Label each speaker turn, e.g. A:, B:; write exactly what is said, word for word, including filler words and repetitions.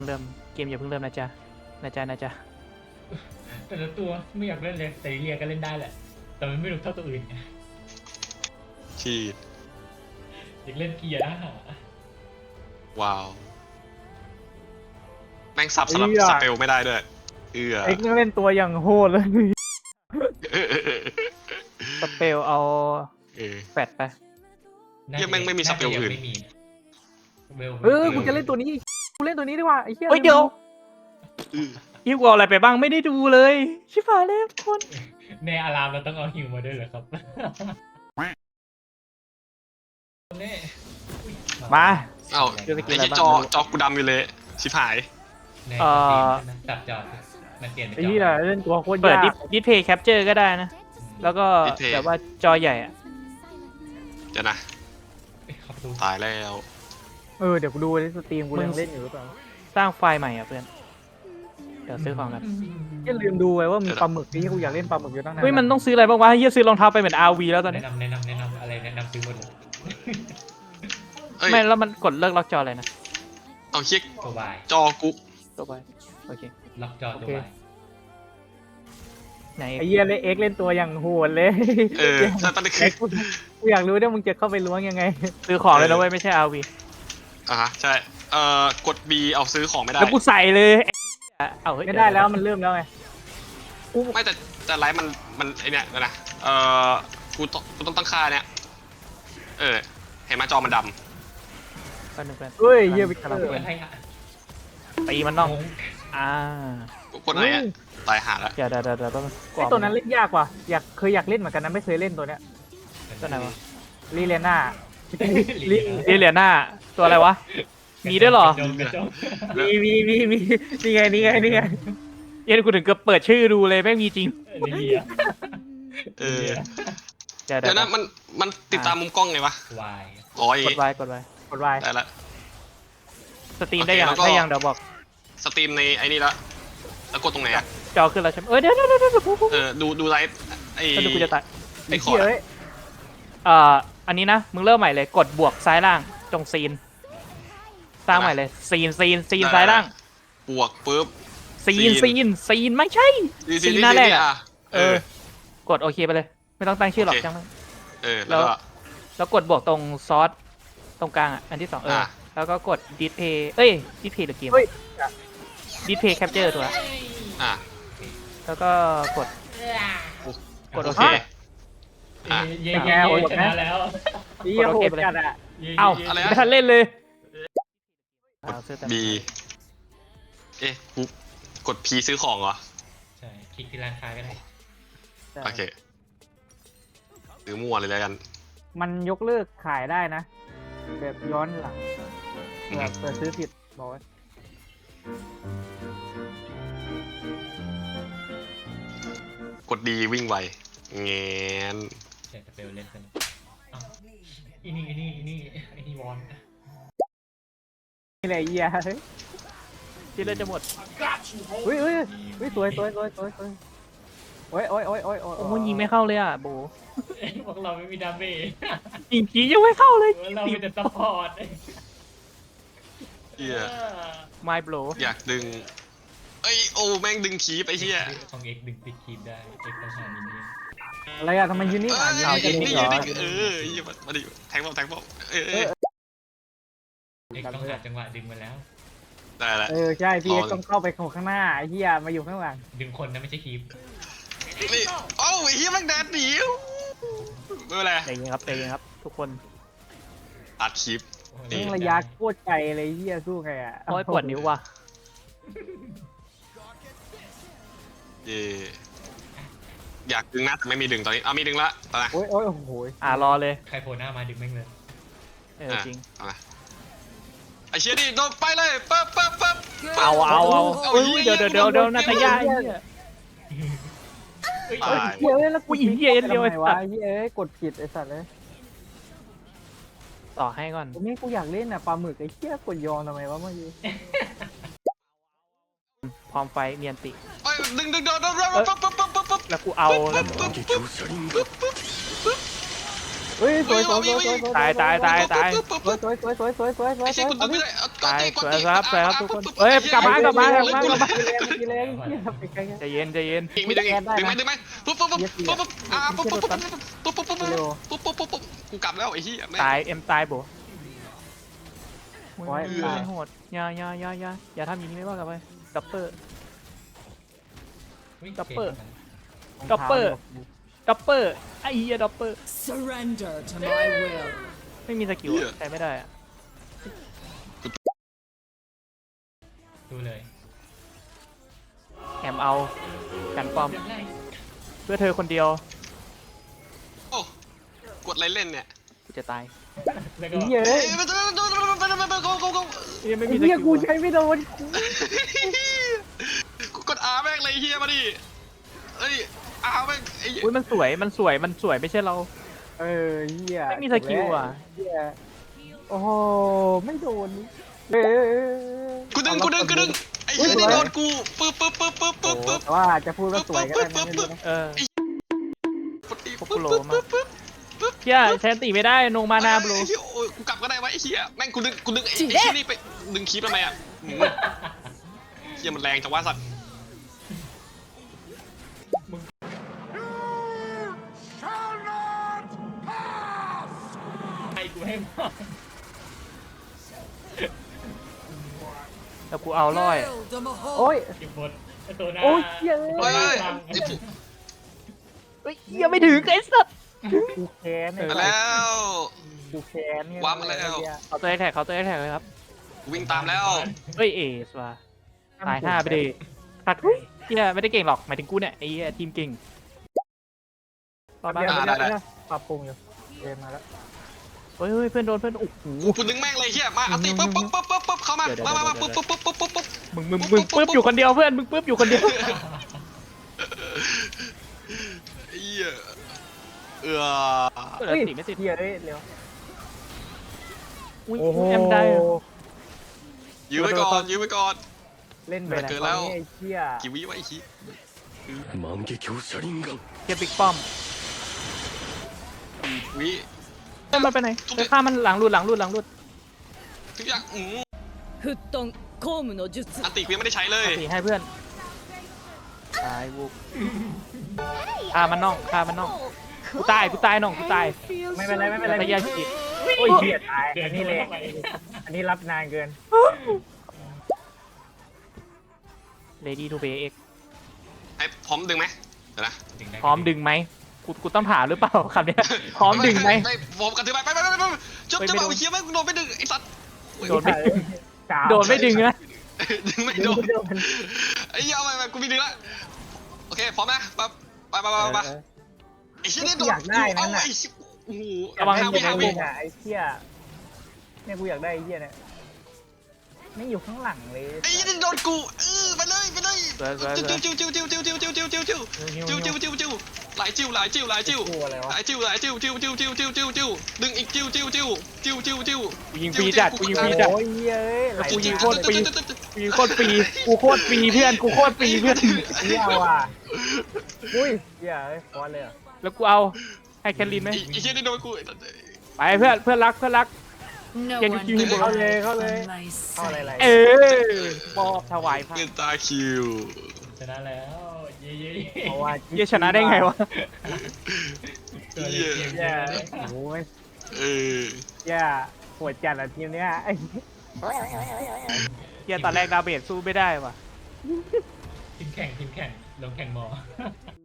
A: เริ่มเกมอย่าเพิ่งเริ่มนะจ๊ะนะจ๊ะนะจ๊ะ
B: แต่ละตัวไม่อยากเล่นเลยแต่เรียก็เล่นได้แหละแต่มันไม่รู้เท่าตัวอื่นไง
C: ชีด
B: อยากเล่นเกียร์นะ
C: ว้าวแม่งสับสลับสเปลไม่ได้ด้วยเอือ
A: เอ็กซ์เล่นตัวอย่างโหดเลยสเปลเอาแฟดไป
C: ยังแม่งไม่มีสเปลอื่น
A: เออกูจะเล่นตัวนี้กูเล่นตัวนี้ดีกว่าไอ้เหี้ยเดี๋ยวฮิวกูเอาอะไรไปบ้างไม่ได้ดูเลยชิบหายเลยทุกคน
B: ในอารามเราต้องเอาฮิวมาด้วยเหรอครับ
A: มา
C: เอ้าไอ้ที่จอจอกูดำอยู่เลยชิบหาย
B: เอ่อจับจอมันเปลี่ยน
A: ไอ้ที่เล่นตัวโคตรยากเปิดดิสเพย์แคปเจอร์ก็ได้นะแล้วก็แบบว่าจอใหญ่อะ
C: จะนะตายแล้ว
A: เออเดี๋ยวกูดูในสตรีมกูยังเล่นอยู่หรือเปล่าสร้างไฟล์ใหม่อ่ะเพื่อนเดี๋ยวซื้อของกันยังลืมดูไว้ว่ามีปลาหมึกที่กูอยากเล่นปลาหมึกอยู่ตั้งนานเฮ้ยมันต้องซื้ออะไรบ้างวะเฮียซื้อรองเท้าไปเหมือน อาร์ วี แล้วตอนนี้
B: แนะนำแนะนำแนะนำอะไรแนะนำซื้อหมดเลย
A: ไม่แล้วมันกดเลิกล็อกจออะไรนะ
C: เอาเช็ค
B: ตัวบาย
C: จอกู
A: ตัวบายโอเค
B: ล็อกจอตัวบาย
A: ไหนไอเฮียเล่นเอ็กเล่นตัวอย่างโหดเลย
C: เออถ้าตอนนี้คือ
A: กูอยากรู้ด้วยมึงจะเข้าไปล้วงยังไงซื้อของเลยนะเว้ยไม่ใช่ อาร์ วี
C: อ่ะฮะใช่เอ่อกด B เอาซื้อของไม่ได้
A: แล้วกูใส่เลยเอาไม่ได้แล้วมันเริ่มแล้วไง
C: ไม่แต่แต่ไลฟ์มันมันไอเนี้ยนะเอ่อกูต้องกูต้องตั้งค่าเนี้ยเออเห็นไหมจอมันดำ
A: เฮ้ยเยี่ยมกำลังเป็นตีมันน้องอ่า
C: กูกดไหนอ่ะตายหาแล้ว
A: เดี๋ยวเดี๋ยวเดี๋ยวไอตัวนั้นเล่นยากว่ะอยากเคยอยากเล่นเหมือนกันนะไม่เคยเล่นตัวเนี้ยตัวไหนวะลีเลน่าลีเลน่าตัวอะไรวะมีด้วยหรอมีมีมีมีนี่ไงนี่ไงนี่ไงเย็นกูถึงก็เปิดชื่อดูเลยแม่งมีจริง
C: เออเดี๋ยวนะมันมันติดตามมุมกล้องไงวะ
B: วาย
C: อ๋อก
A: ดวายกดวายกดวาย
C: ได้ละ
A: สตรีมได้ยังได้ยังเดี๋ยวบอก
C: สตรีมในไอ้นี่ละแล้วกดตรงไหนอะ
A: จอขึ้นแล้วใช่ไหมเออเดี๋ยวเดี๋ยวเดี๋ยว
C: เออดูดูไลฟ์ไอ้
A: ดูกูจะตัด
C: ไอ้ขอด
A: อ่าอันนี้นะมึงเริ่มใหม่เลยกดบวกซ้ายล่างตรงซีนสร้างใหม่เลยซีนซีนซีนซ้ายล่าง
C: บวกปุ๊บ
A: ซีนซีนซีนไม่ใช่ซีนหน้าแรกอ่ะเออกดโอเคไปเลยไม่ต้องตั้งชื่อหรอกจังเลย
C: เออแล้ว
A: แล้วกดบวกตรงซอสตรงกลางอ่ะอันที่สองเออแล้วก็กดดิสเพย์เอ้ยดิสเพย์หรือเกมดิสเพย์แคปเจอร์ตัว
C: อ่ะ
A: แล้วก็กดกดโอเค
B: อ่ะยังไงชนะแล้ว
A: ดีโหดจัดอ่ะเอ้าไม่ทันเล่นเลย
C: บีเอ๊ะกูกด P ซื้อของเหรอ
B: ใช่คลิกที่ร้านค้าก็ได้
C: โอเคซื้อมั่วเลยแล้วกัน
A: มันยกเลิกขายได้นะแบบย้อนหลังแบบเปิดซื้อผิดบอกไว้
C: กดดีวิ่งไวเงี้ย
B: เดี๋ยวจะไปเล่นกันอีนี่อีนี่อีนี่ไอ้นี่วอน
A: นี่แหละเหี้ยที่เล่นจะหมดเฮ้ยเฮ้ยเฮ้ยสวยสวยสวยสวยสวยโอ้ยโอ้ยโอ้ยโอ้ยโอ้ยยิงไม่เข้าเลยอ่ะโบ
B: พวกเราไม่มีดาเมจ
A: ยิงผียังไม่เข้าเลย
B: เราเป็นแต่ซัพพอร์ต
C: เฮีย
A: ไม่โบ
C: อยากดึงเอ้ยโอ้แม่งดึงคีบไอ้เฮีย
B: ของเอกดึงติดคีบได้เอกต้องหามินิ
A: อะไรอะทำไมยืนนี่อ่ะยืน
C: นี่ยืนนี่เออมาดิแทงบอลแทงบอลเออ
B: เอกต้องหาจังหวะดึงมาแล้ว
C: ได้แล้ว
A: เออใช่พี่เอกต้องเข้าไปข้างหน้าไอ้เหี้ยมาอยู่ข้างหลัง
B: ดึงคนนะไม่ใช่คีบ
C: นี่โอ้ยเฮียแม่งแดดหนีไม่เป็นไร
A: ใจเย็นครับใจเย็นครับทุกคน
C: ตัดคลิป
A: นี่ระยะโคตรไกลเลยเฮียสู้ไงอ่ะโอ้ยปวดนิ้วว่ะ
C: เย่อยากดึงนะแต่ไม่มีดึงตอนนี้เอามีดึงละตอนนี้
A: โอ้ยโอ้ยโอ้โหอ่ารอเลย
B: ใครโผล่หน้ามาดึงแม่งเลย
A: เออจริง
C: ไอเชียดิโดนไปเลยปั๊บปั๊บปั๊บ
A: เอาเอาเอาเดี๋ยวเดี๋ยวเดี๋ยวเดี๋ยวนาตายาเฮ้ยเฮียแล้วกูยิงเฮียเดียวไอ้สัตว์เฮียกดผิดไอ้สัตว์เลยต่อให้ก่อนนี่กูอยากเล่นอ่ะปลาหมึกไอ้เฮียกดยองทำไมวะเมื่อกี้พร้อมไฟเนียนติ
C: ดึงดึงดึงดึงปั๊บปั๊บปั๊บปั๊บปั๊บ
A: แล้วกูเอาแล้วเฮ้ยสวยสวยสวยสวยตายตายตายตายสวยสวยสวยสวยสวยสวยสวย
C: ไอ้เชี่ยกูดึงไม่ได้กด
A: ตาย
C: ตีก
A: ส
C: ด
A: วย
C: ตี
A: ครับสวยครับทุกคนเอ้ยกลับมากลับมากลับมากลับมา
D: กีแรงกีแรงเหี้ยไปไกล
A: ใจเย็นใจเย็น
C: อีกไม่ดึงอีกดึงไหมดึงไหมปุ๊บปุ๊บปุ๊บปุ๊บปุ๊บอ่าปุ๊บปุ๊บปุ๊บปุ๊บปุ๊บปุ๊บปุ๊บปุ๊บปุ๊บปุ๊บกูกลับแล้วไอ้เหี้ยแม่ง
A: ตายเอ็มตายโบ
D: โอ้ย
A: โอ้ยโหดอย่าอย่าอย่าอย่าอย่าทำอย่างนี้ไม่ว่ากลับไปดับเปอร์ ดับเบิล ดับเบิล ดับเปอร์ไอ้เหี้ยดับเปอร์
E: Surrender to my will.
A: ไม่มีสกิลอะใช้ไม่ได้อะ
B: ดูเลย
A: แอมเอากันปอมเพื่อเธอคนเดียว
C: โอ้กดอะไรเล่นเนี่ย
A: กูจะตาย
B: แล้วก็
D: เหี้ย
C: เอ้ยไปไปไปไปไปไปไปกูกูกู
A: เหี้ยไม่
D: ไอ้
A: มีส
D: เหี้ย
A: กิล
D: กู
A: อะ
D: ใช้ไม่โดน
C: กูกดอาแม่งเลยเฮียมาดิเอ้ยอาแม่งไอ้
A: อุ้ยมันสวยมันสวยมันสวยไม่ใช่เรา
D: เออเหี้ย
A: ไม่มีสกิลอ่ะ
D: เหี้ยโอ้โหไม่โดนเออ
C: กูดึงกูดึงกูดึงไอ้เฮียนี่โดนกูปึ๊บปึ๊บปึ๊บปึ๊บปึ๊บปึ๊บ
D: แต่ว่าจะพูดว่าสวยก็ได้นะไม่รู้นะ
A: เออ
C: กดตี
A: พวก
C: ปึ๊
A: กู
C: บ
A: โล
C: ปึ๊บ
A: มา
C: ปึ๊บปึ๊บปึ๊บ
A: เฮียใช้อันติไม่ได้นงมานาบลู
C: ไอ้เฮียโอ้ยกูกลับก็ได้วะไอ้เฮียแม่งกูดึงกูดึงไอ้ไอ้เฮียนี่ไปดึงคีบทำไมอ่ะหืมเฮียมันแรงจังวะสัตว์
B: ไอ้กูให้มาก
A: แล้วกูเอาร้อย
E: Hail the Mahal.
D: โอ้ย
B: เก็บบทไอ้ตัวหน้า
D: โอ้ยเหี้ย
C: เฮ้ย
B: ไอ้
C: ไอ้ผู้
A: เฮ้ยเฮียไม่ถึงไอ้สัตว์
D: กูแค้น
C: มาแล้ว
D: กูแค้นเนี่ย
C: ว้ามาแล้ว
A: เขาตัวแท็กเขาตัวแท็กเลยครับ
C: กูวิ่งตามแล้ว
A: เฮ้ยเอสว่ะตายห้าไปดิตัดเฮียไม่ได้เก่งหรอกหมายถึงกูเนี่ยไอ้เหี้ยทีมเก่งต่อมา
D: เดี๋ยว
C: อ่า
D: เดี๋ยว
C: ได้
D: เดี๋ยวปรับปรุงอยู่เรียนมาแล้ว
A: เฮ้ยเฮ้ยเพื่อนโดนเพื่อนโอ้โห
C: กูดึงแม่งเลยเฮียมาอันตีปึ๊บปึ๊บปึ๊บปึ๊บปึ๊บเข้ามามามามาปึ๊บปึ๊บปึ๊บปึ๊บปึ๊บปึ๊บ
A: มึงมึงมึงปึ๊บอยู่คนเดียวเพื่อนมึงปึ๊บอยู่คนเดียว
C: เฮียเออ
A: เปิด
D: เฮ้ย
A: ติไม่ติด
D: เหี้ยเอ้ยเร็ว
A: อุ้ย
D: โอ้โห
A: แอมได้อะ
C: ยื้อไว้ก่อนยื้อไว้ก่อน
D: เล่นแบบ
C: เกินแล้ว
D: นี้ไอ้เหี้ย
C: กี่วิวะไอ้ชี้
F: 万華鏡車輪眼
A: เก็บบิ๊กป้อม
C: วิ
A: เฮ้ยมันไปไหนไปฆ่ามันหลังรูดหลังรูดหลังรูด
C: ทุกอย่างอืม
E: 沸騰公務の術
C: อันติกูยังไม่ได้ใช้เลย
A: สีให้เพื่อนตายวุกฆ่ามันน้องฆ่ามันน้องกูตายกูตายน้องกูตาย
D: ไม่เป็นไรไม่เป็นไร
A: พยาจิต
D: โอ้ยเหี้ยตาย
B: เดิ
D: อั
B: น
D: นนี้เลย
B: เข้าไป
D: อันนี้รับนานเกิน
A: เลดี้ทูเบเอ็ก
C: ไอ้พร้อมดึงไหมเดี๋ยวนะ
B: ถึงได้
A: พร้อมดึงไหมกูกูต้องถามหรือเปล่าคำเนี้ยพร้อมดึงไหม
C: ไม่พร้อมกันถือไปไปไปไปไปจบ
A: ไม่
C: จะ
A: ไม่
C: เอา
A: โดน
C: ไอ้เคี้ยวแม่งโดนไม่ดึงไอ้สัตว์
A: โดนไม่
D: กาว
A: โดนไม่ดึงนะ
C: ดึงไม่
D: โด
C: โด
D: น
C: น
D: โดน
C: ไอ้เหี้ยเอาไปไปกูมีดึงละโอเคพร้อมนะไปไปไปไปไปไอ้เชี่ยนี่โดนเอาไอ้โอ้โห
A: ระวัง
C: ห้า
D: กู
C: วิ
D: อยาก
C: ห้า
D: ได้
C: วิ
D: ไอ้เหี้ยเนี่ยกูอยากได้ไอ้เหี้ยเนี่ยไม่อยู่ข้างหลังเลย
C: ไอ้เหี้ยนี่โดนกูเออไปเลยไปเลย
A: สวยสวยสวย
C: จิ้วจิ้วจิ้วจิ้วจิ้วจิ้วจิ้วจิ้วจิ้วจิ้วจิ้วจิ้วจิ้วจิ้วหลายจิ้วหลายจิ้วหลายจิ้ว
D: กูอะไร
C: ห
D: วะ
C: ลายจิ้วหลายจิ้วจิ้วจิ้วจิ้วจิ้วจิ้วจิ้วดึงอีกจิ้วจิ้วจิ้วจิ้วจิ้วจิ้ว
A: กูยิงฟรีจัดกูยิงฟรีจัด
D: โอ้ยเหี้ยเอ้ยไหล
A: กูยิง
D: น้ำ
A: โคตรฟรี กูโคตรฟรีกูโคตรฟรีเพื่อนกูโคตรฟรีเพื่อน
D: เหี้ยว่ะอุ้ยเหี้ยเอ้ยฟอนเลยเหรอ
A: แล้วกูเอาให้แคทลินไหม
C: ไอ้เชี่ยนี่โดนกู
A: ไปเพื่อนเพื่อนรักเพื่อนรัก
E: No
A: Can you
E: one
A: give me
E: can
A: more?
D: เข้าเลยเข้าเลย
E: on my
D: เข้าอะไร
E: side.
D: อะไร
A: เออมอบถวายพระ
C: เงินตาคิว
B: ชนะแล้วเย้เย้
D: เพราะว่า
A: เหี้ยชนะได้ไงวะ
B: ตัวเล็กเกมเย
D: แย่
B: อะเลย
D: โอ้ย
C: เออ
D: แย่ปวดจัดอะทีมเนี้ยไอ้
A: เหี้ยตอนแรกดาเบจสู้ไม่ได้ว่ะ
B: ทีมแข่งทีมแข่งลงแข่งหมอ